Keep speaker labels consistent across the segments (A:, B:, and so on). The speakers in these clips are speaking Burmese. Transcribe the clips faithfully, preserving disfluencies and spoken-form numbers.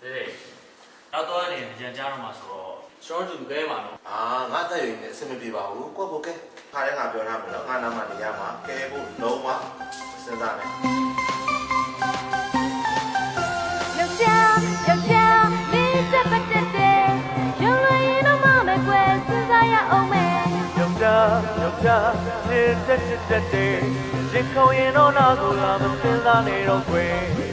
A: 对，要多一点人家的嘛说，说主给嘛喏。
B: 啊，我在有呢，什么地方？我过不给，他人家表他们了，俺那么的呀嘛，给不弄嘛，是咋的？
C: ယောက်ျားယောက်ျားလေးတက်ပတ်တက်တယ်ရုံလွင်ရင်တော့မမဲ့ကွယ်စဉ်းစားရအောင်မယ်
D: ယောက်ျားယောက်ျားစစ်တက်တက်တက်တယ်ရင်ခုံရင်တော့နာကိုလာမစင်စားနေတော့ခွေ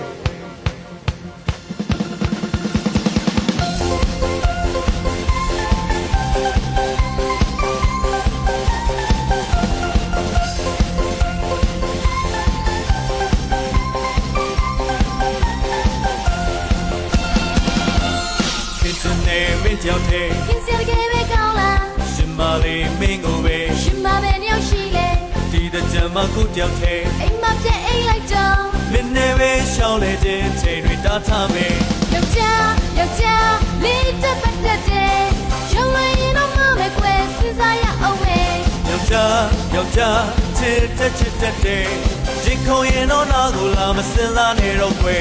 D: မင်းကြောင့်တဲ့
C: ခင်စရခဲ့ပဲကောင်းလား
D: ရှင်မလေးမင်းကိုပဲ
C: ရှင်မပဲညောက်ရှိလေ
D: ဒီတဲ့ကြမ်းမခုကြောင့်တဲ့
C: အိမ်မပြည့်အိမ်လိုက်တော့
D: မင်းနဲ့ပဲရှောင်းလေတဲ့ချိန်တွေတားထားမယ်
C: ယောက်ျားယောက်ျားလေးတက်ပတ်တက်တယ်ရုံလွင်ရင်တော့မမဲ့ကွယ်စဉ်းစားရအောင်မယ်
D: ယောက်ျားယောက်ျားချစ်တက်ချစ်တက်တယ်ရင်ခုံရင်တော့နာကိုလာမစင်စားနေတော့ခွေ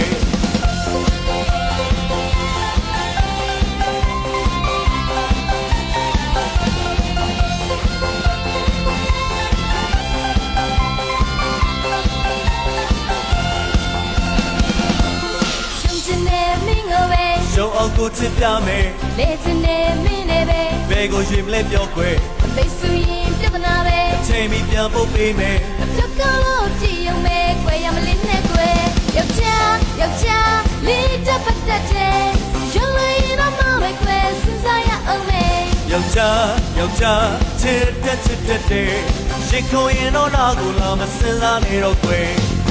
D: ရှုံးအောင်ကိုချစ်ပြမယ်
C: လေချင်နေမင်းနဲ့ပဲ
D: ဘယ်ကိုရွေမလဲပြောခွေ
C: မိတ်ဆွေရင်ပြဿနာပဲ
D: အချိန်မီပြန်ဖို့ပေးမယ်
C: အပြတ်ကောလို့ကြည့်ရုံပဲကွယ်ရမလေးနဲ့ကွယ်ယောက်ျားယောက်ျားလေးတက်ပတ်တက်တယ်ရုံးလေးရင်တော့မမဲ့ကွယ်စဉ်းစားရအောင်မယ်
D: ယောက်ျားယောက်ျားချစ်တက်ချစ်တက်တယ်ရင်ခုံရင်တော့နာကိုလာမစင်စားနေတော့ခွေ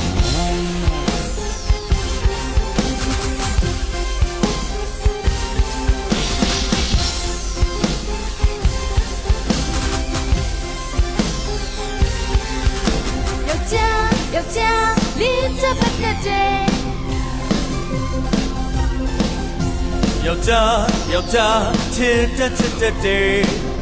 C: ယောက်ျားလေးတက်ပတ်တက်တယ်
D: ယောက်ျားယောက်ျားချစ်တက်ချစ်တက်တယ်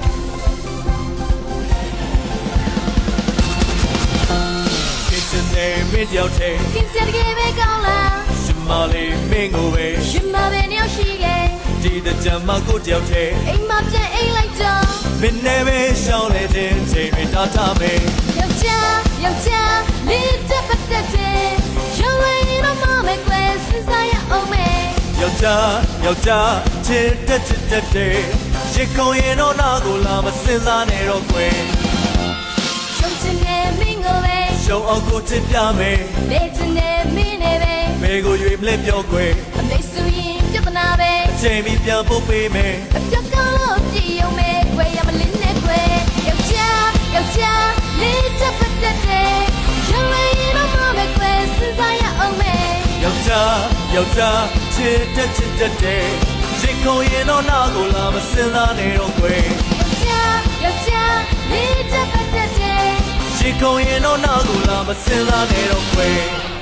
D: ကိစ္စနဲ့မင်းကြောက်တဲ့
C: ခင်စရခဲ့ပဲကောင်းလား
D: ရှင်မလေးမင်းကိုပဲ
C: ရှင်မပဲညောက်ရှိလေ
D: ဒီတဲ့ကြမ်းမကိုကြောက်တဲ့
C: အိမ်မပြည့်အိမ်လိုက်တော့
D: မင်းနဲ့ပဲရှောင်းလေတဲ့ချိန်တွေတားထားမယ်
C: ယောက်ျားယောက်ျားလေးတက်ပတ်တက်တယ်ရုံးလေးရင်တော့မမဲ့ကွယ်စဉ်းစားရအောင်မယ်
D: ယောက်ျားယောက်ျားချစ်တက်ချစ်တက်တယ်ရင်ခုံရင်တော့နာကိုလာမစင်စားနေတော့ခွေ
C: ရှုံးချင်နေမင်းကိုပဲ
D: ရှုံးအောင်ကိုချစ်ပြမယ်
C: လေချင်နေမင်းနဲ့ပဲ
D: ဘယ်ကိုရွေမလဲပြောခွေ
C: အမိတ်ဆွေရင်ပြဿနာပဲ
D: အချိန်မီပြန်ဖို့ပေးမယ်
C: အပြတ်ကောလို့ကြည့်ရုံပဲကွယ်ရမလေးနဲ့ကွယ်ယောက်ျားယောက်ျားလေးတက်ပတ်တက်တယ်ရုံးလေးရင်တော့မမဲ့ကွယ်စဉ်းစားရအောင်မယ်
D: ယောက်ျားယောက်ျားချစ်တက်ချစ်တက်တယ်ရင်ခုံရင်တော့နာကိုလာမစင်စားနေတော့ခွေ
C: ယောက်ျားယောက်ျားလေးတက်ပတ်တက်တယ်
D: ရင်ခုံရင်တော့နာကိုလာမစင်စားနေတော့ခွေ